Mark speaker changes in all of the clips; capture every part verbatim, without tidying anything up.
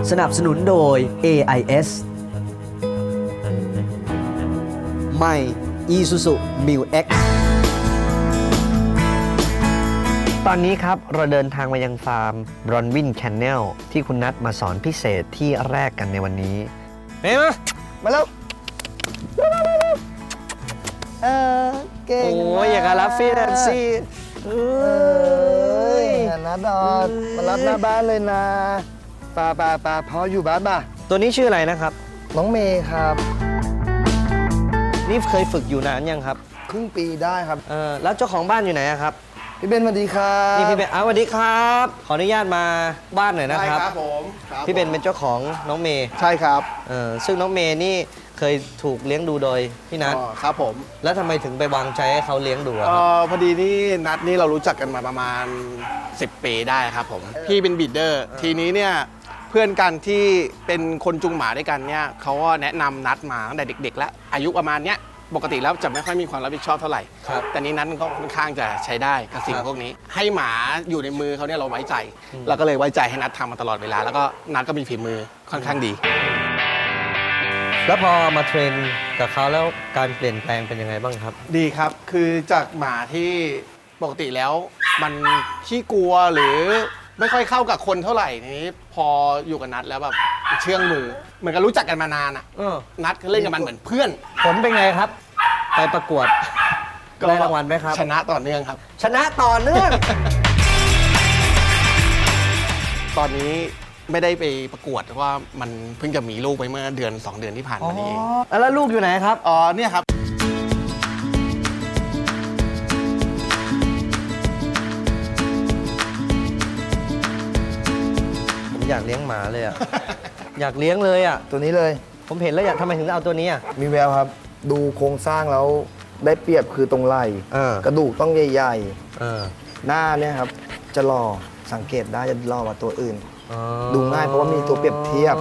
Speaker 1: สนับสนุนโดย เอ ไอ เอส ใหม่ Isuzu มิว เอ็กซ์ ตอนนี้ครับเราเดินทางมายังฟาร์มบรอนวินแคนเนลที่คุณนัทมาสอนพิเศษที่แรกกันในวันนี้เฮ้ยมามาแล้วเออเก่งโอ้ยอยากรับฟี่แนนซี่เอ้ยนัดดอดมารับหน้าบ้านเลยนะป่าป่าป่าพออยู่บ้านป่ะตัวนี้ชื่ออะไรนะครับน้องเมย์ครับนี่เคยฝึกอยู่นานยังครับครึ่งปีได้ครับเออแล้วเจ้าของบ้านอยู่ไหนครับพี่เบนสวัสดีครับนี่พี่เบนอ้าวสวัสดีครับขออนุญาตมาบ้านหน่อยนะครับใช่ครับผมพี่เบนเป็นเจ้าของน้องเมย์ใช่ครับเออซึ่งน้องเมย์นี่เคยถูกเลี้ยงดูโดยพี่นัทครับผมแล้วทำไมถึงไปวางใจให้เขาเลี้ยงดูครับ
Speaker 2: พอดีนี่นัทนี่เรารู้จักกันมาประมาณสิบปีได้ครับผมพี่เป็นบีดเดอร์ทีนี้เนี่ยเพื่อนกันที่เป็นคนจุงหมาด้วยกันเนี่ยเขาก็แนะนำนัทมาตั้งแต่เด็กๆแล้วอายุประมาณเนี้ยปกติแล้วจะไม่ค่อยมีความรับผิดชอบเท่าไหร่แต่นี้นัทมันก็ค่อนข้างจะใช้ได้กับสิ่งพวกนี้ให้หมาอยู่ในมือเขาเนี่ยเราไว้ใจเราก็เลยไว้ใจให้นัททำมาตลอดเวลาแล้วก็นัทก็มีฝีมือค่อนข้างดี
Speaker 1: แล้วพอมาเทรนกับเขาแล้วการเปลี่ยนแปลงเป็นยังไงบ้างครับ
Speaker 2: ดีครับคือจากหมาที่ปกติแล้วมันขี้กลัวหรือไม่ค่อยเข้ากับคนเท่าไหร่นี้พออยู่กับนัทแล้วแบบเชื่องมือเหมือนกับรู้จักกันมานานอ่ะนัทก็เล่นกับมันเหมือนเพื่อน
Speaker 1: ผลเป็นไงครับไปประกวดได้รางวัลไหมครับ
Speaker 2: ชนะต่อเนื่องครับ
Speaker 1: ชนะต่อเนื่อง
Speaker 2: ตอนนี้ไม่ได้ไปประกวดเพราะว่ามันเพิ่งจะมีลูกไปเมื่อเดือนสองเดือนที่ผ่านมานี้เอง
Speaker 1: แล้วลูกอยู่ไหนครับ
Speaker 2: อ๋อเนี่ยครับ
Speaker 1: ผมอยากเลี้ยงหมาเลยอ่ะ อยากเลี้ยงเลยอ่ะ
Speaker 3: ตัวนี้เลย
Speaker 1: ผมเห็นแล้วอยากทำไมถึงเอาตัวนี้อ่ะ
Speaker 3: มีแววครับดูโครงสร้างแล้วได้เปรียบคือตรงไหล่กระดูกต้องใหญ่ๆหน้าเนี่ยครับจะหล่อสังเกตได้จะหล่อกว่าตัวอื่นดูง่ายเพราะว่ามีตัวเปรียบเทียบ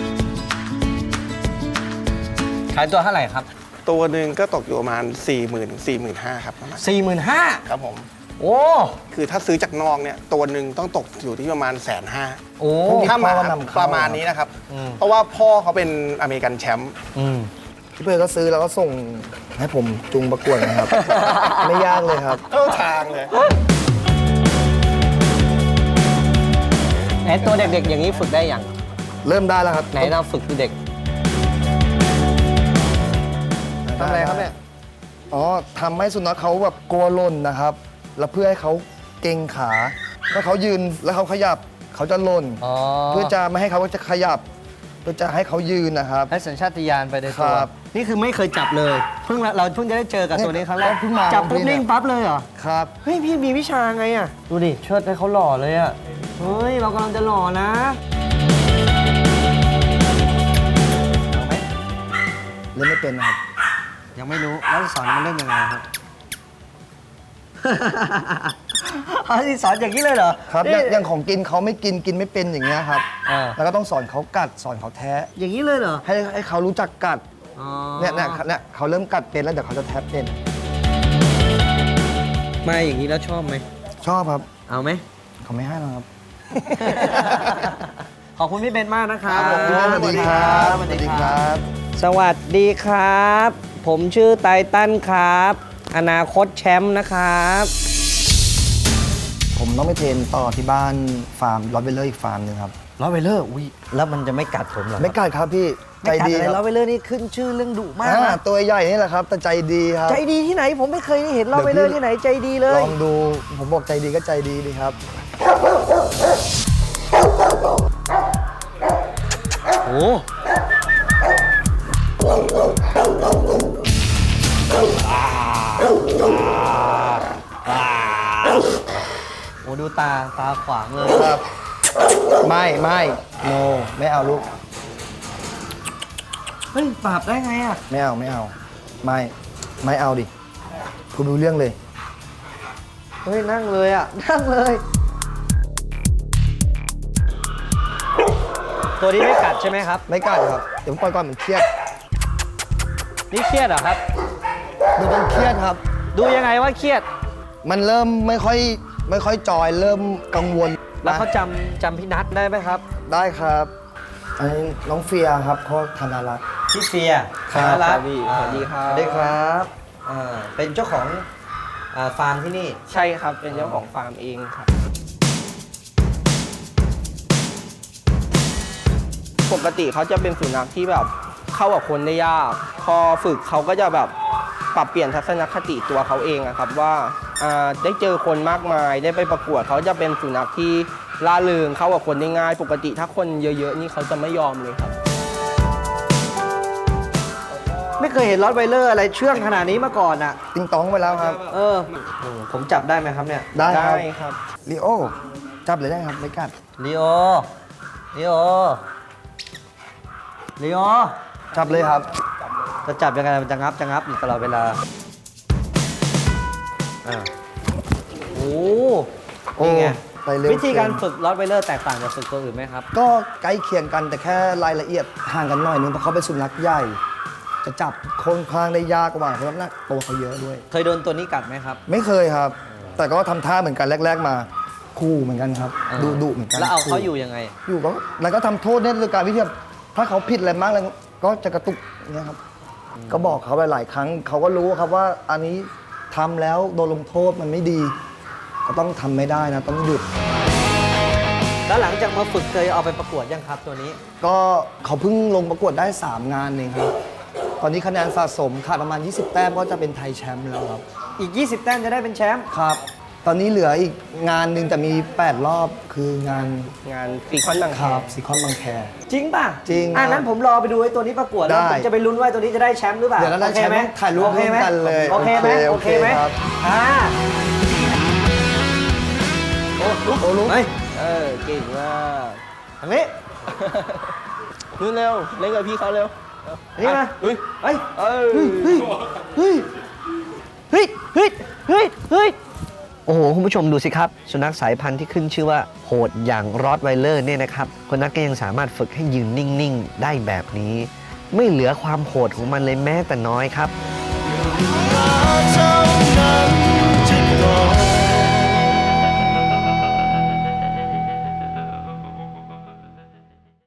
Speaker 1: ขายตัวเท่าไหร่ครับ
Speaker 2: ตัวหนึ่งก็ตกอยู่ประมาณ สี่หมื่น สี่หมื่นห้าพัน ครับประมาณ
Speaker 1: สี่หมื่นห้าพัน
Speaker 2: ครับผม
Speaker 1: โอ้
Speaker 2: คือถ้าซื้อจากนอกเนี่ยตัวหนึ่งต้องตกอยู่ที่ประมาณแสนห้า
Speaker 1: โอ้
Speaker 2: ถ้ามาประมาณนี้นะครับเพราะว่าพ่อเขาเป็นอเมริกันแชมป์
Speaker 3: พี่เพื่อนก็ซื้อแล้วก็ส่งให้ผมจุงประกวดนะครับ ไม่ยากเลยครับ
Speaker 2: เข้าทางเลย
Speaker 1: ไอ้ตัวเด็กๆอย่างนี้ฝึกได้ยัง
Speaker 3: เริ่มได้แล้วครับ
Speaker 1: ไหนเราฝึกเด็กทำอะไรครับเนี่ย
Speaker 3: อ๋อทำให้สุนัขเขาแบบกลัวหล่นนะครับแล้วเพื่อให้เขาเก่งขาถ้าเขายืนแล้วเขาขยับเขาจะหล่นเพื่อจะไม่ให้เขาจะขยับเพื่อจะให้เขายืนนะครับ
Speaker 1: ให้สัญชาตญาณไปในตัวนี่คือไม่เคยจับเลยเพิ่งเราเพิ่งจะได้เจอกับตัวนี้ครั้งแรกจับปุ๊บนิ่งปั๊บเลยเหรอ
Speaker 3: ครับ
Speaker 1: เฮ้ยพี่มีวิชาไงอ่ะดูดิเชิดให้เขาหล่อเลยอ่ะเฮ้ยเรากำลังจะหล่อนะเอาไหม
Speaker 3: เล่นไม่เป็นนะครับ
Speaker 1: ยังไม่รู้แล้วสอนมันเล่นยังไงครับที่สอนอย่างนี้เลยเหรอ
Speaker 3: ครับอย่างของกินเขาไม่กินกินไม่เป็นอย่างเงี้ยครับแล้วก็ต้องสอนเขากัดสอนเขาแท้
Speaker 1: อย่างนี้เลยเหรอ
Speaker 3: ให้ให้เขารู้จักกัดเนี่ยเนี่ยเนี่ยเขาเริ่มกัดเป็นแล้วเดี๋ยวเขาจะแทบเป็น
Speaker 1: มาอย่างนี้แล้วชอบไหม
Speaker 3: ชอบครับ
Speaker 1: เอาไหม
Speaker 3: เขาไม่ให้หรอกครับ
Speaker 1: ขอบคุณพี่เบนมากนะครับ
Speaker 3: สวัสดีครับสวัสดีครับ
Speaker 1: สวัสดีครับผมชื่อไตตันครับอนาคตแชมป์นะครับ
Speaker 3: ผมต้องไปเทรนต่อที่บ้านฟาร์มลอตเวลเลอร์อีกฟาร์มนึงครับ
Speaker 1: ลอตเวลเลอร์อุ้ยแล้วมันจะไม่กัดผมเหรอ
Speaker 3: ไม่กัดครับพี่ใจดี
Speaker 1: ลอตเวลเลอร์นี่ขึ้นชื่อเรื่องดุมากนะ
Speaker 3: ตัวใหญ่นี่แหละครับแต่ใจดีครับ
Speaker 1: ใจดีที่ไหนผมไม่เคยได้เห็นลอตเวลเลอร์ที่ไหนใจดีเลย
Speaker 3: ลองดูผมบอกใจดีก็ใจดีดีครับ
Speaker 1: โอ้โอ้ดูตาตาขวางเลย
Speaker 3: ครับไม่ไม่โนไม่เอาลูก
Speaker 1: เฮ้ยปราบได้ไงอ่ะ
Speaker 3: ไม่เอาไม่เอาไม่ไม่เอาดิคุณรู้เรื่องเลย
Speaker 1: เฮ้ยนั่งเลยอ่ะนั่งเลยตัวนี้ไม่กัดใช่ไหมครับ
Speaker 3: ไม่กัดครับเดี๋ยวปล่อยก่อนมันเครียด
Speaker 1: นี่เครียดเหรอครับ
Speaker 3: ดูมันเครียดครับ
Speaker 1: ดูยังไงว่าเครียด
Speaker 3: มันเริ่มไม่ค่อยไม่ค่อยจอยเริ่มกังวล
Speaker 1: แล้วเขาจำจำพี่นัทได้ไหมครับ
Speaker 3: ได้ครับอันนี้น้องเฟียครับเขาธนารักษ์
Speaker 4: พี่เฟีย
Speaker 3: ครับ
Speaker 4: ธนรัตน์
Speaker 1: พี่
Speaker 4: อ่า
Speaker 1: สวัสดีครับ
Speaker 4: สวัสดีครับอ่าเป็นเจ้าของอ่าฟาร์มที่นี่
Speaker 1: ใช่ครับเป็นเจ้าของฟาร์มเองครับปกติเขาจะเป็นสุนัขที่แบบเข้ากับคนได้ยากพอฝึกเขาก็จะแบบปรับเปลี่ยนทัศนคติตัวเขาเองอะครับว่าอ่าได้เจอคนมากมายได้ไปประกวดเขาจะเป็นสุนัขที่ล่าเริงเข้ากับคนได้ง่าย ปกติถ้าคนเยอะๆนี่เขาจะไม่ยอมเลยครับ
Speaker 4: ไม่เคยเห็นรอตไวเลอร์อะไรเชื่องขนาดนี้มาก่อนอ่ะ
Speaker 3: ติงตองไปแล้วครับ
Speaker 4: เออโอ้ผมจับได้ไหมครับเนี่ย
Speaker 3: ได้ค
Speaker 1: ได้
Speaker 3: รับ
Speaker 1: ครับ
Speaker 3: ลีโอจับเลยได้ครับไม่กัด
Speaker 4: ลีโอลีโอลีโอ
Speaker 3: จับเลยครับ
Speaker 4: จะจับยังไงมันจะงับจะงับอยู่ตลอดเวลาอ่าโอ้นี่ไง
Speaker 3: ไปเร็ว
Speaker 4: วิธีการฝึกรอตไวเลอร์แตกต่างจากฝึกตัวอื่นไหมครับ
Speaker 3: ก็ใกล้เคียงกันแต่แค่รายละเอียดห่างกันหน่อยนึงเพราะเขาเป็นสุนัขใหญ่ จะจับค่อนข้างได้ยากกว่าเพราะน้ำหนักตัวเขาเยอะด้วย
Speaker 4: เคยโดนตัวนี้กัดไหมครับ
Speaker 3: ไม่เคยครับ แต่ก็ทำท่าเหมือนกันแรก ๆ มาคู่เหมือนกันครับ
Speaker 4: อ่า
Speaker 3: ดุดุเหมือนกัน
Speaker 4: แล้วเอาเขา
Speaker 3: ขู่
Speaker 4: อยู่ยังไง
Speaker 3: อยู่ก็แล้วก็ทำโทษเนี่ยโดยการวิธีแบบถ้าเขาผิดอะไรมากแล้วก็จะกระตุกเนี่ยครับก็บอกเขาไปหลายครั้งเขาก็รู้ครับว่าอันนี้ทำแล้วโดนลงโทษมันไม่ดี ก็ต้องทำไม่ได้นะต้องหยุด
Speaker 4: แล้วหลังจากมาฝึกเคยเอาไปประกวดยังครับตัวนี้
Speaker 3: ก็เขาเพิ่งลงประกวดได้ สาม งานเองครับ ตอนนี้คะแนนสะสมขาดประมาณ ยี่สิบ แต้มก็จะเป็นไทยแชมป์แล้วครับ
Speaker 4: อีก ยี่สิบ แต้มจะได้เป็นแชมป์
Speaker 3: ครับ ตอนนี้เหลืออีกงานหนึ่งแต่มี แปด รอบคืองาน
Speaker 1: งานปีคอนบาง
Speaker 3: ค
Speaker 1: แค
Speaker 3: รับซีคอนบางแค
Speaker 4: จริงป่ะ
Speaker 3: จริง
Speaker 4: อ่ะ
Speaker 3: ครับ
Speaker 4: นั้นผมรอไปดูไอ้ตัวนี้ประกวดแล้ว
Speaker 3: ได้
Speaker 4: ผมจะไปลุ้นว่าตัวนี้จะได้แชมป์หรือเปล่า
Speaker 3: เดี๋ยวเราได้
Speaker 4: โอคห
Speaker 3: แชมป์ต้องถ่ายรูป
Speaker 4: โอเคไหม
Speaker 3: ร่วมกันเลย
Speaker 4: โอเคไหม
Speaker 3: โอ
Speaker 4: โอ
Speaker 3: เค
Speaker 4: เคไหม
Speaker 3: ครับ
Speaker 4: อ่า
Speaker 3: โอ้ลุกโอ้ลุก
Speaker 4: เฮ้ย
Speaker 1: เออเก่งมาก
Speaker 4: ทางนี้
Speaker 1: นู่นเร็วเล่นกับพี่เขาเร็ว
Speaker 4: นี่มา
Speaker 1: เฮ้ย
Speaker 4: เฮ้ย
Speaker 1: เอ้ย
Speaker 4: เฮ้ย เฮ้ย เฮ้ย เฮ้ย เฮ้ย โอ้โห คุณผู้ชมดูสิครับ สุนัขสายพันธุ์ที่ขึ้นชื่อว่าโหดอย่างรอตไวเลอร์เนี่ยนะครับคนนักก็ยังสามารถฝึกให้ยืนนิ่ง ๆ ได้แบบนี้ ไม่เหลือความโหดของมันเลยแม้แต่น้อยครับ
Speaker 5: เท่านั้น